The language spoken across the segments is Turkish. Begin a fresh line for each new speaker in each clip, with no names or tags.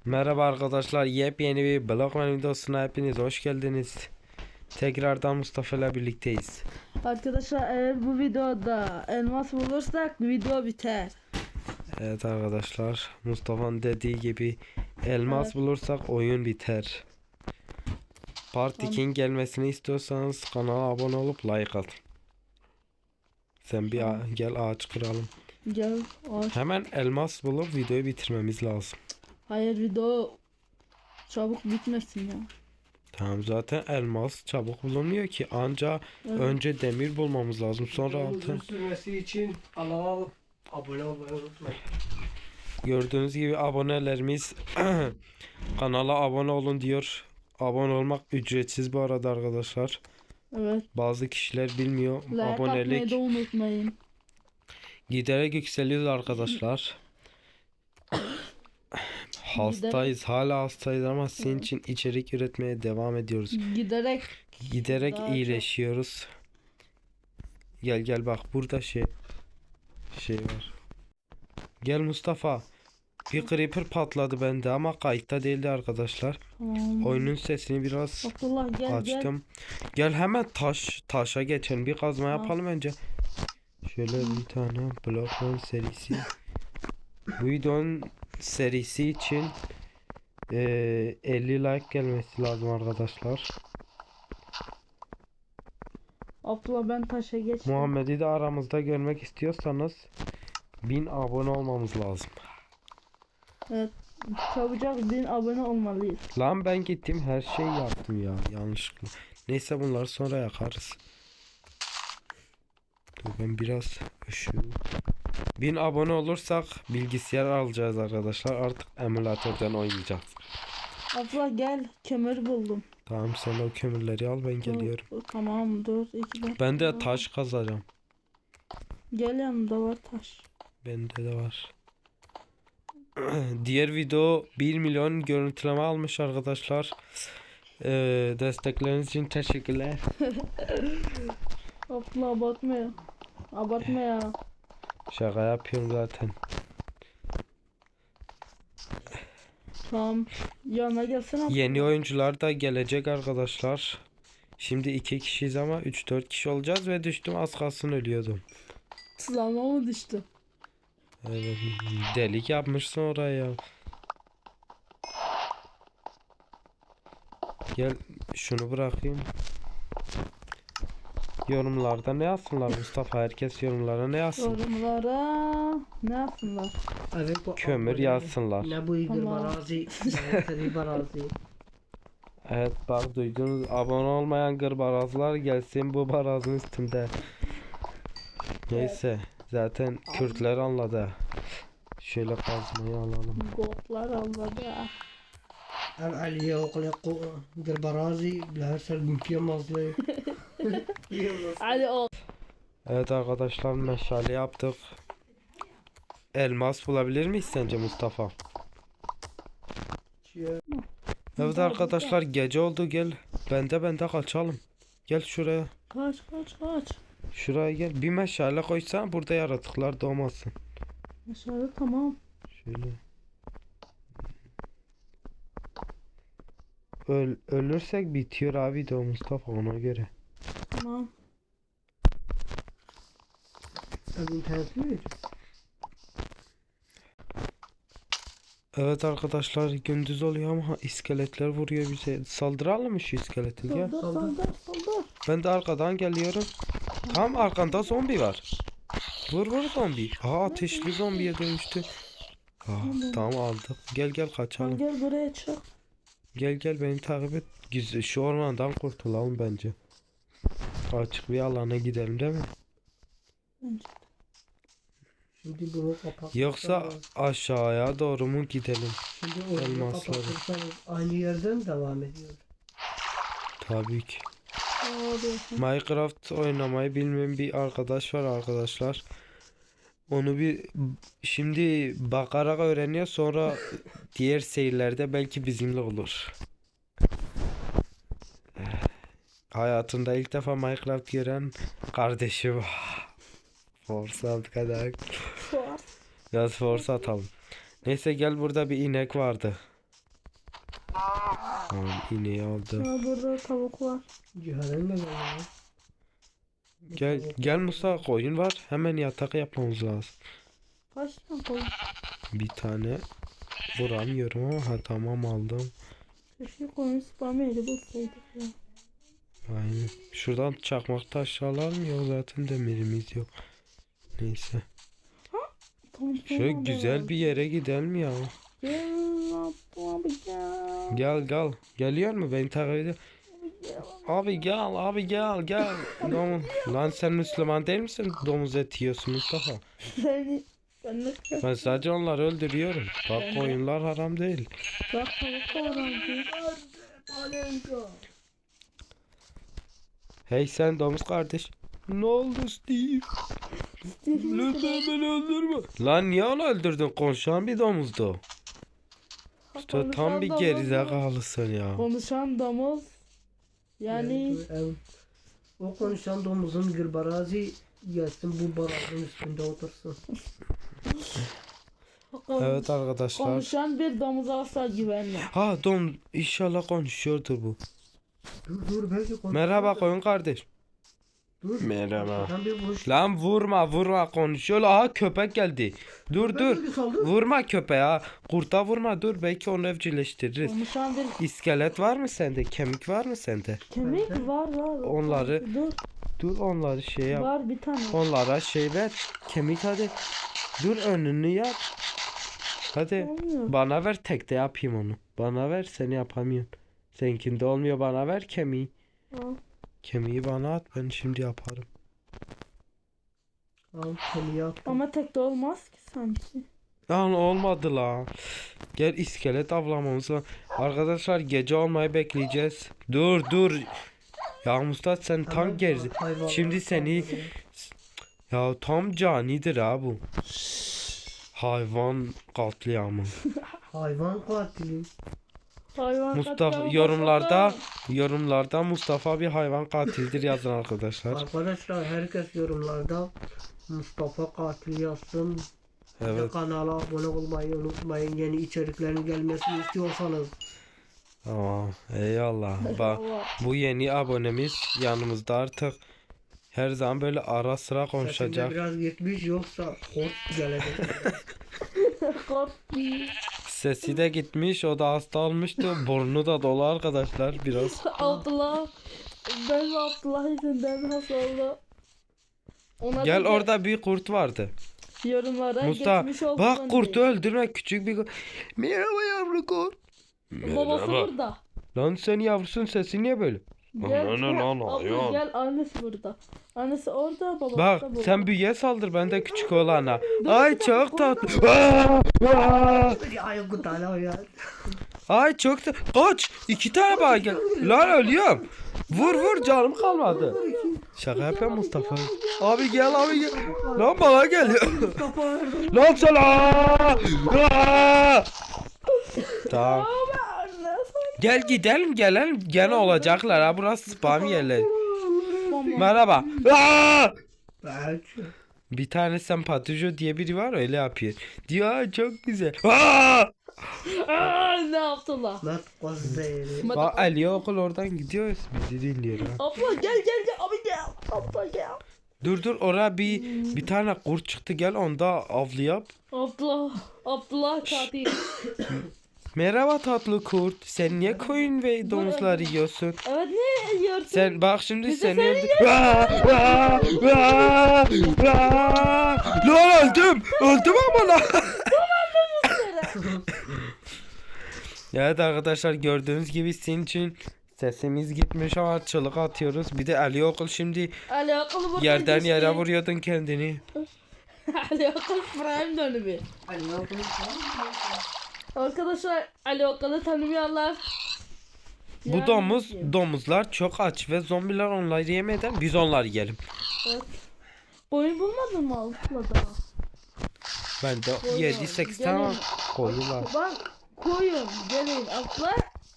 Merhaba arkadaşlar, yepyeni bir Blockman videosuna hepiniz hoş geldiniz. Tekrardan Mustafa ile birlikteyiz.
Arkadaşlar eğer bu videoda elmas bulursak video biter.
Evet arkadaşlar, Mustafa'nın dediği gibi elmas
Evet.
bulursak oyun biter. Part
Tamam.
2'nin gelmesini istiyorsanız kanala abone olup like atın. Sen bir gel ağaç kıralım.
Gel.
Hemen elmas bulup videoyu bitirmemiz lazım.
Hayır, video çabuk bitmesin ya.
Tamam, zaten elmas çabuk bulunmuyor ki, anca
Evet.
önce demir bulmamız lazım, sonra
Uzun
altın.
sürmesi için kanala abone olmayı unutmayın.
Gördüğünüz gibi abonelerimiz kanala abone olun diyor. Abone olmak ücretsiz bu arada arkadaşlar.
Evet.
Bazı kişiler bilmiyor.
Like atmayı
Abonelik
da unutmayın.
giderek yükseliyor arkadaşlar. Hastayız, hala hastayız ama sizin için içerik üretmeye devam ediyoruz.
Giderek
Giderek
daha
iyileşiyoruz. Gel bak, burada şey var. Gel Mustafa. Bir creeper patladı bende ama kayıtta değildi arkadaşlar.
tamam.
Oyunun sesini biraz
Abdullah gel
açtım. Gel hemen taşa geçelim. Bir kazma
Tamam.
yapalım önce. Şöyle bir tane Blockman serisi. Bu videonun serisi için 50 like gelmesi lazım arkadaşlar.
Abdullah ben taşa geçtim.
Muhammed'i de aramızda görmek istiyorsanız 1000 abone olmamız lazım.
Evet. Çabucak 1000 abone olmalıyız.
Lan ben gittim, her şeyi yaptım ya yanlışlıkla. Neyse, bunları sonra yakarız. Dur ben biraz şu 1000 abone olursak bilgisayar alacağız arkadaşlar. Artık emülatörden oynayacağız.
Abdullah gel, kömür buldum.
Tamam, sen o kömürleri al, ben geliyorum.
Tamam, dur 2 dakika.
Ben de taş kazacağım.
Gel, yanımda var taş.
Bende de var. Diğer video 1 milyon görüntüleme almış arkadaşlar. Destekleriniz için teşekkürler.
Abdullah abartma ya. Abartma ya.
Şaka yapıyorum zaten.
Tamam. Yanına gelsene.
Yeni oyuncular da gelecek arkadaşlar. Şimdi 2 kişiyiz ama 3-4 kişi olacağız ve düştüm, az kalsın ölüyordum.
Tuzağıma mı düştü?
Evet, delik yapmışsın oraya. Gel şunu bırakayım. Yorumlarda ne yazsınlar Mustafa? Herkes yorumlara ne yazsın?
Yorumlara ne yapsınlar?
Evet, bu
Kömür
abone-
yazsınlar.
Ne bu iyidir
Tamam.
barazi. Ne barazi.
Evet bak, duydunuz, abone olmayan gırbarazlar gelsin bu barazın üstünde. Neyse, zaten Kürtler anladı. Şöyle kazmayı alalım.
Gotlar anladı.
Ev aliye okula barazi. Her sel mükemmel.
Hadi o.
Evet arkadaşlar, meşale yaptık. Elmas bulabilir miyiz sence Mustafa? Evet arkadaşlar, gece oldu, gel. Bende kaçalım. Gel şuraya.
Kaç.
Şuraya gel. Bir meşale koysan burada yaratıklar doğmasın.
Aşağıda tamam.
Şöyle. Ölürsek bitiyor abi de o Mustafa, ona göre.
Tamam.
Evin tersi mi?
Evet arkadaşlar, gündüz oluyor ama iskeletler vuruyor bize. Saldıralım mı şu iskeleti, gel.
Saldır.
Ben de arkadan geliyorum. Tam arkanda zombi var. Vur zombi. Aa, ateşli zombiye dönüştü. Tamam aldık. Gel kaçalım.
Gel buraya çık.
Gel beni takip et. Güzel, şu ormandan kurtulalım bence. Açık bir alana gidelim değil mi?
Bence.
Şimdi bunu kapat.
Yoksa aşağıya doğru mu gidelim?
Şimdi onu
elmasları.
kapatırsanız aynı yerden devam ediyor.
Tabii ki.
Abi.
Minecraft oynamayı bilmeyen bir arkadaş var arkadaşlar. Onu şimdi bakarak öğreniyor, sonra diğer seyirlerde belki bizimle olur. Hayatında ilk defa Minecraft gören kardeşim. Forsa kadar. Biraz forsa atalım. Neyse gel, burada bir inek vardı. Tamam ineği aldı.
Ha, burada tavuk var.
Cihan'ın da var.
Gel Musa, koyun var. Hemen yatak yapmamız lazım.
Kaç tane koyun?
Bir tane vuramıyorum ama ha tamam aldım.
Keşke koyun spam yeri bulsaydık ya.
Aynen. Şuradan çakmak taş alalım, yok zaten demirimiz yok. Neyse. Şöyle güzel bir yere gidelim ya.
Gel abi gel.
Gel. Geliyor mu? Beni takip ediyor. Abi gel. Lan sen Müslüman değil misin? Domuz eti yiyorsun Mustafa.
Sen ne
Ben sadece onları öldürüyorum. Bak koyunlar haram değil.
bak tavuk da var.
Hey sen domuz kardeş. Ne oldu Steve? Lütfen beni öldürme. Lan niye onu öldürdün? Konuşan bir domuzdu. İşte tam bir gerizekalısın ya.
Konuşan domuz. Yani
Evet. O konuşan domuzun gırbarazi gelsin bu barajın üstünde otursun.
Evet arkadaşlar.
konuşan bir domuza asla güvenme.
Ha inşallah konuşuyordur bu.
Dur belki konuş.
Merhaba koyun kardeş.
Dur.
Merhaba.
Arkadan bir vuruş.
Lan vurma konuşuyor. Aha köpek geldi. Dur.
Bir saldır.
Vurma köpeğe ha. Kurta vurma dur, belki onu evcilleştiririz.
Konuşan bir
İskelet var mı sende? Kemik var mı sende?
kemik var.
Onları
Dur
dur onları şey yap.
var bir tane.
Onlara şey ver. Kemik hadi. Dur önünü yap. Hadi.
Olmuyor.
Bana ver, tekte yapayım onu. Bana ver, seni yapamıyorum. Seninkinde olmuyor, bana ver kemiği.
Al.
Kemiği bana at, ben şimdi yaparım.
Al seni yap.
Ama tek de olmaz ki sanki.
Lan olmadı la. Gel iskelet avlamamız var. Arkadaşlar gece olmayı bekleyeceğiz. Dur. Ya Mustafa sen tam gerzi. Şimdi seni ya tam canidir ha bu. Hayvan katliamı.
Hayvan katili.
Hayvan
Mustafa
katliamı
yorumlarda Mustafa bir hayvan katildir yazın arkadaşlar.
Arkadaşlar herkes yorumlarda Mustafa katil yazsın.
Evet.
Kanala abone olmayı unutmayın. Yeni içeriklerin gelmesini istiyorsanız.
Tamam. Eyvallah.
Allah.
Bu yeni abonemiz yanımızda artık. Her zaman böyle ara sıra
Sesinde
konuşacak.
biraz gitmiş yoksa kort gelecek.
Korktu.
Sesi de gitmiş, o da hasta olmuştu. Burnu da dolu arkadaşlar biraz.
Abdullah. Ben Abdullah yüzünden hasta oldu. Ona
Gel
bir de
orada bir kurt vardı.
yorumlara
Mustafa
geçmiş olsun
bak kurtu
diye.
öldürme, küçük bir kurt. Merhaba yavru kurt.
Babası burada.
Lan sen yavrusun, sesi niye böyle?
Gel,
Ana,
abla
ya.
gel, annesi burada. Annesi orada, babası
Bak
da burada.
sen büyüye saldır, ben de küçük olana.
Dur,
Ay
bir dakika,
çok tatlı. Aa!
Ay kutala ya.
Ay çok da kaç, 2 tane bana gel. Lan ölüyorum. Vur canım kalmadı. Şaka yapıyorum Mustafa. Abi gel. Lan bana geliyor. Lan sen Tamam. Gel gidelim gelelim. Gene olacaklar ha, burası spam yerler. Merhaba.
Belki.
Bir tane sempatizo diye biri var, öyle yapıyor. Diyor "Aa, çok güzel. Aa!
Ne yaptılar?
Mat kozeri.
Bak Ali okul oradan gidiyoruz, bizi dinliyor ha.
Abla gel, abi gel. Abla gel.
Dur oraya bir tane kurt çıktı, gel onda avlı yap.
Abdullah katil.
Merhaba tatlı kurt. Sen niye koyun ve domuzlar yiyorsun?
Evet, ne yiyorsun?
Sen bak şimdi
Bizi
seni
seni
öldür. Lan öldüm ama lan. Evet arkadaşlar, gördüğünüz gibi sizin için sesimiz gitmiş ama çığlık atıyoruz. Bir de Ali okul şimdi
Ali akıllı burada
yerden
geçti.
yere vuruyordun kendini.
Ali akıllı prime dönümü. Arkadaşlar Ali Okan'ı tanımayanlar.
Bu domuzlar çok aç ve zombiler onları yemeden biz onları yiyelim.
Evet. Boyun bulmadın mı Altla daha?
Ben de
Koyun,
7-8
gelin.
tane koyun var.
Bak koyun gelin Altla.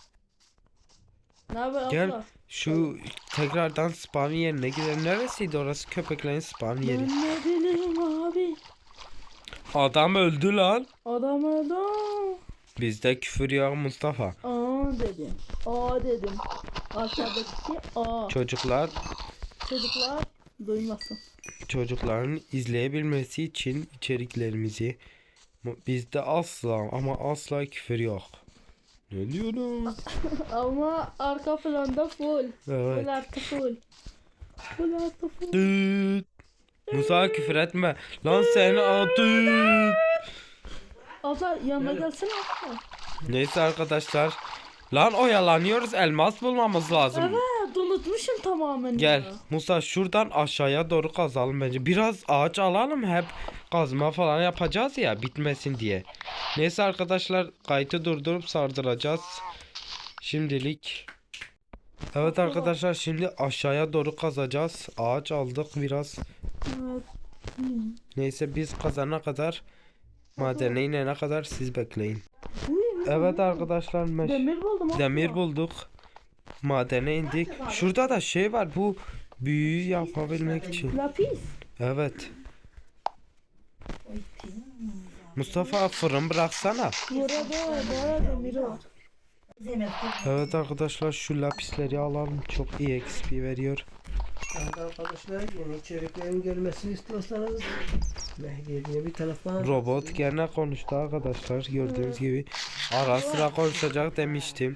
Ne haber
Gel
Altla?
şu tekrardan spam yerine gidelim. Neresiydi orası, köpeklerin spam yeri?
Ben ne bileyim abi.
Adam öldü lan.
Adam öldü.
Bizde küfür yok Mustafa.
Aa. dedim. A dedim. Aşağıdaki A.
Çocuklar
Çocuklar duymasın.
çocukların izleyebilmesi için içeriklerimizi bizde asla ama asla küfür yok. Ne diyorsun?
Ama arka planda full.
Evet.
Full artı full. Full artı full.
Düt. Musa küfür etme. Lan seni atın.
Abla yanına gelsene abla.
Neyse arkadaşlar. Lan oyalanıyoruz. Elmas bulmamız lazım.
Evet unutmuşum tamamen
Gel
ya.
Musa şuradan aşağıya doğru kazalım bence. Biraz ağaç alalım, hep kazma falan yapacağız ya bitmesin diye. Neyse arkadaşlar, kaydı durdurup sardıracağız. Şimdilik. Evet arkadaşlar, şimdi aşağıya doğru kazacağız. Ağaç aldık biraz.
Evet.
Neyse biz kazana kadar, madene inene kadar siz bekleyin.
Uy,
Evet arkadaşlar,
demir buldum abla.
demir bulduk. Madene indik. Şurada da şey var, bu büyüyü yapabilmek için.
Lapis.
Evet. Mustafa fırın bıraksana.
Burada demir var.
Evet arkadaşlar, şu lapisleri alalım. Çok iyi XP veriyor.
Evet arkadaşlar, yeni içeriklerin gelmesini istiyorsanız Mehdi diye bir telefon.
Robot gene konuştu arkadaşlar. Gördüğünüz gibi. Ara sıra konuşacak demiştim.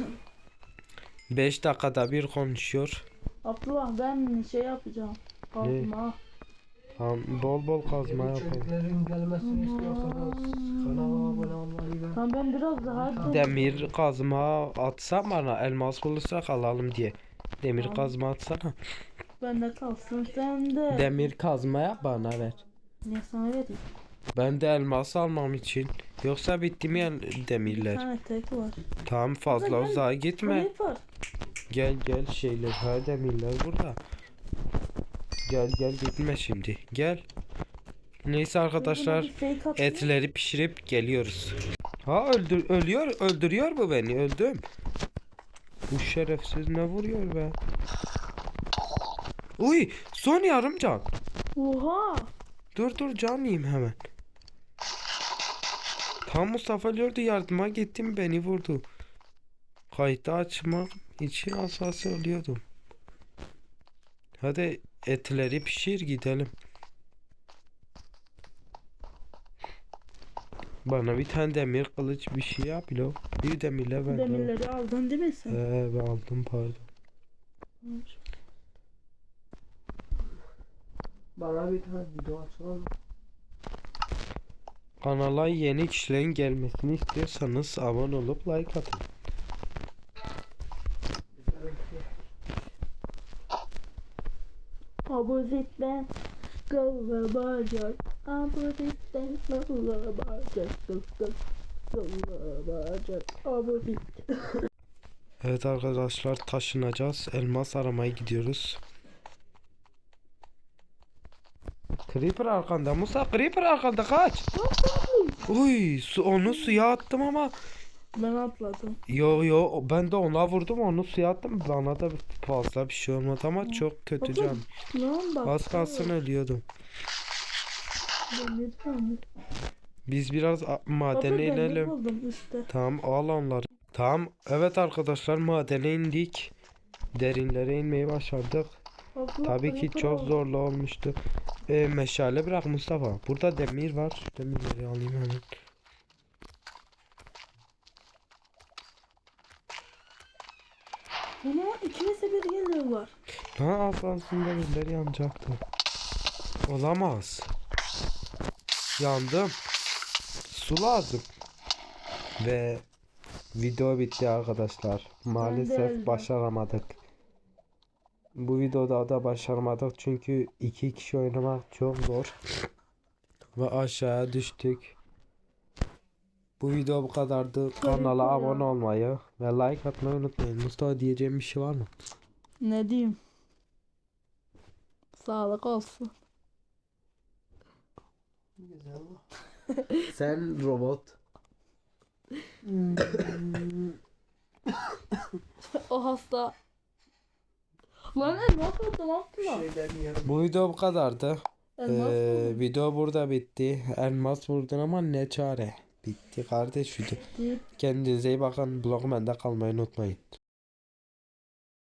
5 dakikada bir konuşuyor.
Abla ben şey yapacağım. Kazma.
Tamam, bol bol kazma
Yeni
yapalım.
içeriklerin gelmesini istiyorsanız kanala abone olmayı ve
Tamam ben biraz daha
Demir kazma atsan bana, elmas bulursak alalım diye. Demir kazma atsana.
bende kalsın sen de.
Demir kazma yap, bana ver.
Ne sana vereyim?
Ben de elmas almam için. Yoksa bitti mi
Bir
demirler?
tane tek var.
Tamam, fazla
Gel.
uzağa gitme.
Kayıp var.
Gel gel, şeyler, ha demirler burada. Gel gel, gitme şimdi. Gel. Neyse arkadaşlar,
Buna bir fake atayım.
etleri pişirip geliyoruz. Ha, öldürüyor bu beni, öldüm. Bu şerefsiz ne vuruyor be? Uy, son yarım can.
Oha.
Dur can yiyeyim hemen. Tam Mustafa gördü, yardıma gittim, beni vurdu. Kayıtı açmak için asası ölüyordum. Hadi etleri pişir, gidelim. Bana bir tane demir kılıç bir şey yap lo. Bir demirle ben de.
Demirleri aldın değil mi sen?
Ben aldım, pardon.
bana bir tane video atsana.
Kanala yeni kişilerin gelmesini istiyorsanız abone olup like atın.
Abuzitten kılı bacak. Abuzitten kılı bacak. Kılı bacak. Abuzit.
Evet arkadaşlar, taşınacağız. Elmas aramaya gidiyoruz. Creeper arkanda Musa, Creeper arkanda, kaç. Uy, onu suya attım ama.
Ben atladım.
Yo ben de ona vurdum, onu suya attım. Bana da fazla bir şey olmadı ama çok kötü can.
Lan bak.
Az kalsın ölüyordum.
Demir.
Biz biraz madene
Baba demir
inelim.
buldum üstte.
Tamam, al onları. Tamam, evet arkadaşlar, madene indik. Derinlere inmeyi başardık.
Abla,
Tabii ki
creeper
çok
al.
zorlu olmuştu. Meşale bırak Mustafa. Burada demir var. Demirleri alayım hemen.
Ama ikimize bir geliyorlar.
Ha, aslında demirler yanacaktı. Olamaz. Yandım. Su lazım. Ve video bitti arkadaşlar. Maalesef
öldüm.
başaramadık. Bu videoda da başaramadık çünkü 2 kişi oynamak çok zor. Ve aşağıya düştük. Bu video bu kadardı. Kanala
ya.
abone olmayı ve like atmayı unutmayın. Mustafa, diyeceğim bir şey var mı?
Ne diyeyim? Sağlık olsun.
Güzel.
Sen robot.
O hasta. Lan elmas oldu lan lan.
Şeyler yiyelim.
Bu video bu kadardı.
Elmas oldu.
Video burada bitti. Elmas vurdun ama ne çare. Bitti kardeş video.
Bitti.
Kendinize iyi bakın. Blogumda kalmayı unutmayın.